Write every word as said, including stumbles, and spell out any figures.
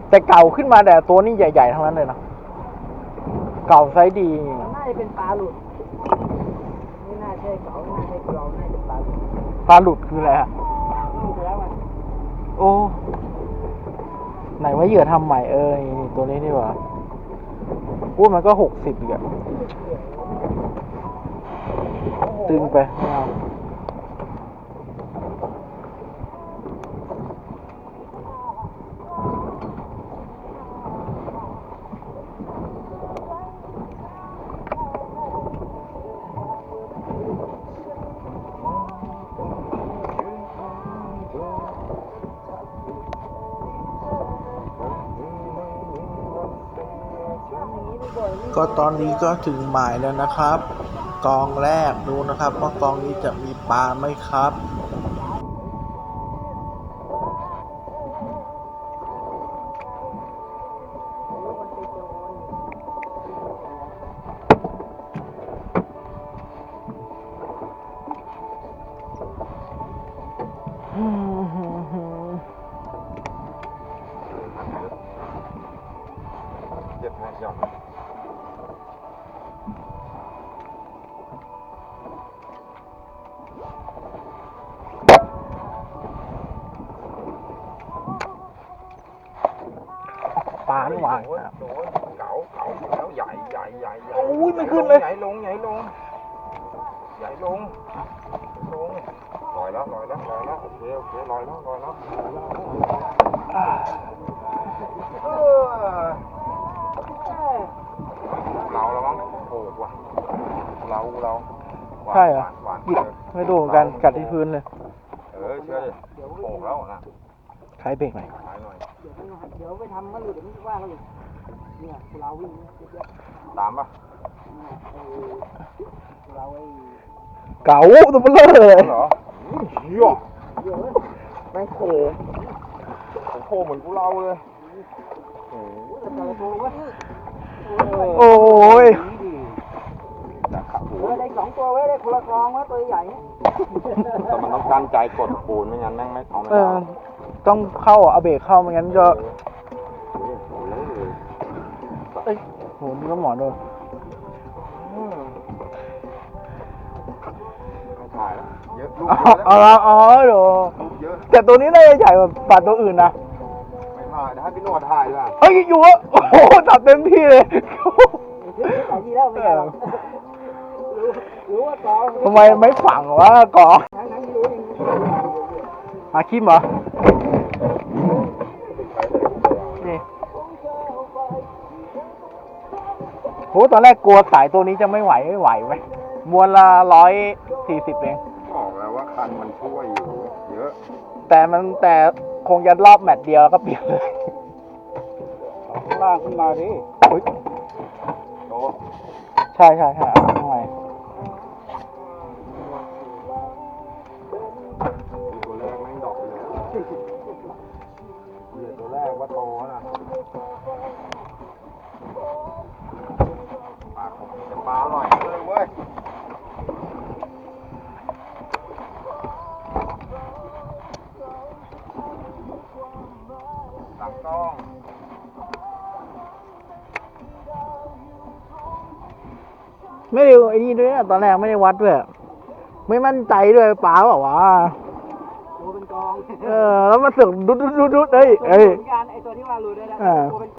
แต่เก่าขึ้นมาแต่ตัวนี้ใหญ่ๆทั้งนั้นเลยนะเก่าไซส์ดีน่าจะเป็นปลาหลุดไม่น่าใช่เก่าไม่น่าใช่เราน่าจะปลาหลุดปลาหลุดคืออะไรฮะลูกแล้วมันโอ้ไหนว่าเหยื่อทำใหม่เออนี่ตัวนี้นี่หว่าพูดมันก็หกสิบอีกอะตึงไปไม่เอาก็ตอนนี้ก็ถึงหมายแล้วนะครับ กองแรกดูนะครับว่ากองนี้จะมีปลาไหมครับเจ็บแม่ยอมปลาไม่วางโดนเก๋าเก๋าแล้วใหญ่ใหญ่ใหญ่ใหญ่โอ้ยไม่ขึ้นเลยใหญ่ลงใหญ่ลงใหญ่ลงลงลอยแล้วลอยแล้วลอยแล้วโอเคโอเคลอยแล้วลอยแล้วเราแล้วมั้งโอ้ว่ะเราเราใช่เหรอหยิบไม่ดูเหมือนกันกัดที่พื้นเลยเออเชื่อดิโผล่แล้วนะใช้เบรกหน่อยเดี๋ยวไปเดี๋ยวไปทำก็หลุดเดี๋ยวไม่ว่าเขาอีกเนี่ยเราวิ่งตามป่ะเราไอ้เก๋าตัวเบลอเลยเหรอเยอะแม่งโผล่โผล่เหมือนกูเราเลยโอ้ยโอ้ยเออได้สองตัวไว้ได้คนละกองไว้ตัวใหญ่แต่มันต้องการใจกดปูนไม่งั้นแม่งไม่เอาไม่ได้ต้องเข้าเอาเบรกเข้าไม่งั้นก็เอ้ยโหนี่ก็หมอนโดนถ่ายแล้วเยอะลูกเยอะอ๋อเดี๋ยวแต่ตัวนี้น่าจะใหญ่กว่าปลาตัวอื่นนะไม่ถ่ายนะให้พี่นวดถ่ายด้วยเฮ้ยอยู่อ่ะโอ้โหจับเต็มที่เลยถ่ายที่แล้วไม่ใช่หรอรู้ว่ากองทำไมไม่ฝังวะกองอาคิมเหรอนี่โหตอนแรกกลัวสายตัวนี้จะไม่ไหวไม่ไหวไหมมวลละร้อยสี่สิบเองบอกแล้วว่าคันมันช่วยอยู่เยอะแต่มันแต่คงจะรอบแมตช์เดียวก็เปลี่ยนเลยข้างล่างขึ้นมาดิโตใช่ใช่ใช่ข้างในตัวแรกแม่งดอกเลยเหลือตัวแรกว่าโตนะปลาผมจะปลาอร่อยเลยเว้ยตักต้องไม่ได้ไอ้นี่ด้วยนะตอนแรกไม่ได้วัดด้วยไม่มั่นใจด้วยป๋าบอกว่าตัวเป็นกองเออแล้วมาสึกดุดดุดดุดเอ้ยเอ้ยการไอตัวที่ว่ารู้ได้แล้ว